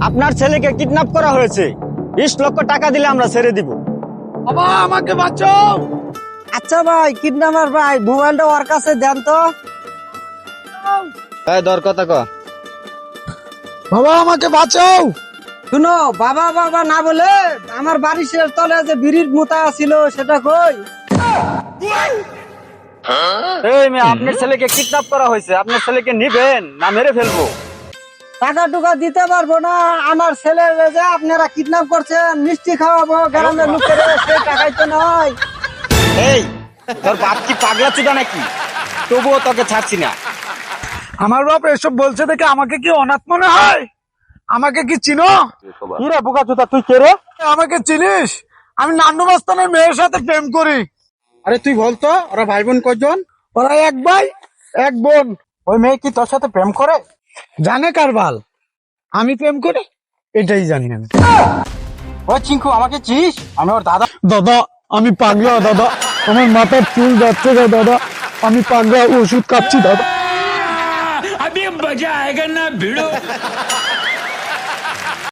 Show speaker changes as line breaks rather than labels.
আপনার ছেলেকে কিডন্যাপ করা হয়েছে, 20 লক্ষ টাকা দিলে আমরা ছেড়ে দিব।
বাবা আমাকে বাঁচাও।
আচ্ছা ভাই, কিডন্যাপার ভাই, মোবাইলটা ওর কাছে দেন তো।
দর কথা ক।
বাবা আমাকে বাঁচাও।
শুনো, বাবা বাবা না বলে আমার বাড়ির তলে যে বিড়ির মোতা ছিল সেটা কই?
এই মেয়ে, আপনার ছেলেকে কিডন্যাপ করা হয়েছে, আপনার ছেলেকে নিবেন না মেরে ফেলবো?
টাকা টুকা দিতে পারবো না। আমার ছেলে যে আপনারা কিডন্যাপ করছেন, মিষ্টি খাওয়াবো গ্রামের লোকের, সেই টাকাই তো নয়।
এই, তোর বাপ কি পাগলা চুদা নাকি? তবুও তোকে ছাড়ছি না।
আমার বাপ এসব বলছে দেখে আমাকে কি অনাথ মনে হয়? আমাকে কি চিনো?
কি রে বোকা চুদা, তুই কে রে?
আমাকে চিনিস? আমি নান্নু মাস্তানের মেয়ের সাথে প্রেম করি।
আরে তুই বলতো ওরা ভাই বোন কয়জন?
ওরা এক ভাই এক বোন।
ওই মেয়ে কি তোর সাথে প্রেম করে?
জানে কারবাল আমি প্রেম করি, এটাই জানি আমি।
ওই চিঙ্কু, আমাকে চিনিস? আমি ওর দাদা।
দাদা আমি পাগলা, দাদা আমার মাথার চুল যাচ্ছে গো দাদা, আমি পাগলা, ওষুধ খাচ্ছি দাদা।
अभी मजा आएगा ना भिड़ो।